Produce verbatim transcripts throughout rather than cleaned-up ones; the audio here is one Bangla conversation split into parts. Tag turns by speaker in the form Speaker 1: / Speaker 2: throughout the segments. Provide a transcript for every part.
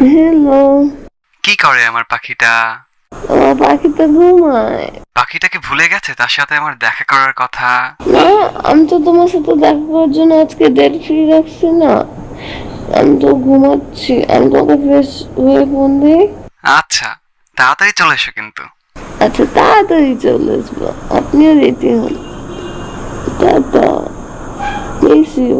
Speaker 1: হ্যালো।
Speaker 2: কি করে আমার পাখিটা?
Speaker 1: আমার পাখিটা ঘুমায়।
Speaker 2: পাখিটাকে ভুলে গেছে তার সাথে আমার দেখা করার কথা?
Speaker 1: না, আমি তো তোমার সাথে দেখা করার জন্য আজকে ডেট ফ্রি রাখছি না। আমি তো ঘুমাচ্ছি। আমি তোকে ফ্রেশ হয়ে ফোন দিই।
Speaker 2: আচ্ছা, তাড়াতাড়ি চলে এসো কিন্তু।
Speaker 1: আচ্ছা, তাড়াতাড়ি চলে আসবো। আপনিও রেডি হন। টাটা। Miss you.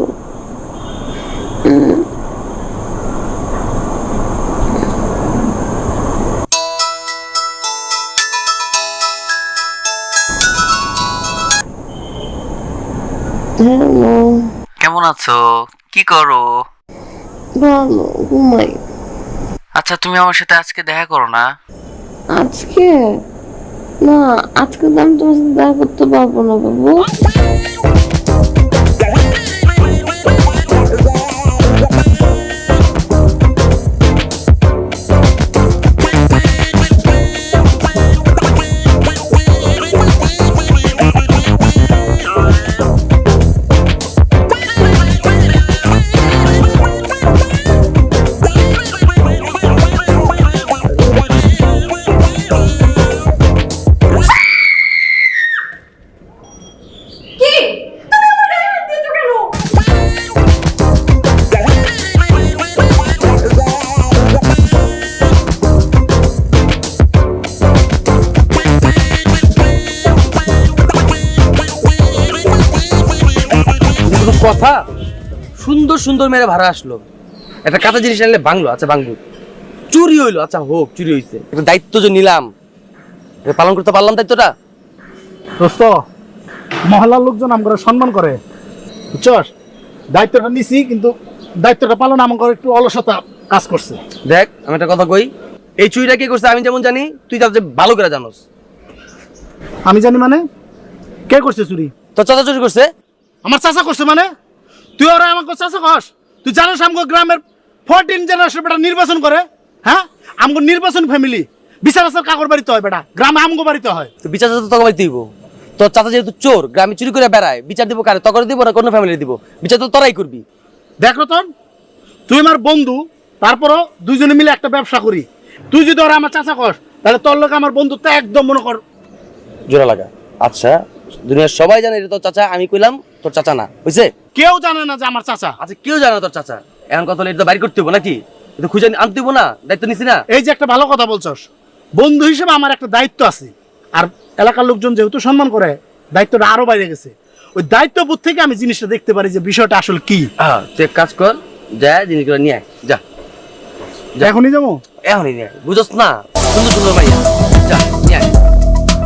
Speaker 1: হ্যালো।
Speaker 2: কেমন আছো? কি করো?
Speaker 1: ভালো, ঘুমাই।
Speaker 2: আচ্ছা, তুমি আমার সাথে আজকে দেখা করো না?
Speaker 1: আজকে না, আজকে তো আমি তোমার সাথে দেখা করতে পারবো না বাবু।
Speaker 3: কথা সুন্দর সুন্দর মেরে ভাড়া আসলো, একটা কাঁচা জিনিস আনলে ভাঙলো, আচ্ছা ভাঙলো, চুরি হইলো, আচ্ছা হোক চুরি হইছে, একটা দায়িত্ব যে নিলাম এটা পালন করতে পারলাম দায়িত্বটা।
Speaker 4: দোস্ত, মহল্লার লোকজন আমরা সম্মান করে, বুঝছস? দায়িত্বটা নিছি, কিন্তু দায়িত্বটা পালন আমার একটু অলসতা কাজ করছে।
Speaker 3: দেখ আমি একটা কথা কই, এই চুরিটা কে করছে আমি যেমন জানি, তুই তার ভালো করে জানোস।
Speaker 4: আমি জানি মানে? কে করছে চুরি?
Speaker 3: তোর চাচা চুরি করছে।
Speaker 4: আমার চাচা করছে মানে? তুই ওরা আমাকে চাচা কস? তুই জানিস আমাকে গ্রামের ফোরটিন জেনারেশন বেটা নির্বাচন করে, হ্যাঁ? আমাকে নির্বাচন ফ্যামিলি, বিচার আচার কাকর বাড়িতে হয় বেটা, গ্রামে আমগো বাড়িতে হয়।
Speaker 3: তো বিচার তো তোকে বাড়ি দিব, তোর চাচা যেহেতু চোর গ্রামে চুরি করে বেড়ায়, বিচার দিব কারে? তখন দিব না কোনো ফ্যামিলি দিব? বিচার তো তোরাই করবি।
Speaker 4: দেখ রতন, তুই আমার বন্ধু, তারপরও দুইজনে মিলে একটা ব্যবসা করি। তুই যদি ওরা আমার চাচা কস, তাহলে তোর লোক আমার বন্ধুত্ব একদম মনে কর
Speaker 3: জোড়া লাগা। আচ্ছা, দুনিয়ার সবাই জানে এটা তোর চাচা, আমি কইলাম তোর চাচা না, বুঝছে?
Speaker 4: কেউ জানে না যে আমার চাচা।
Speaker 3: আচ্ছা কেউ জানে না তোর চাচা, এখন কথা হলো এটা তো বাইর করতে হবো নাকি? এটা খুঁজে আনতে হবো না? দায়িত্ব নিছি না?
Speaker 4: এই যে একটা ভালো কথা বলছস, বন্ধু হিসেবে আমার একটা দায়িত্ব আছে, আর এলাকার লোকজন যেহেতু সম্মান করে, দায়িত্বটা আরো বাইরে গেছে। ওই দায়িত্ববোধ থেকে আমি জিনিসটা দেখতে পারি যে বিষয়টা আসলে কি।
Speaker 3: হ্যাঁ তুই এক কাজ কর, যা জিনিসগুলো নিয়ে আয়, যা
Speaker 4: এখনই যাবো?
Speaker 3: এখনই নিয়ে আয়, বুঝছ না? সুন্দর সুন্দর ভাইয়া, যা নিয়ে আয়।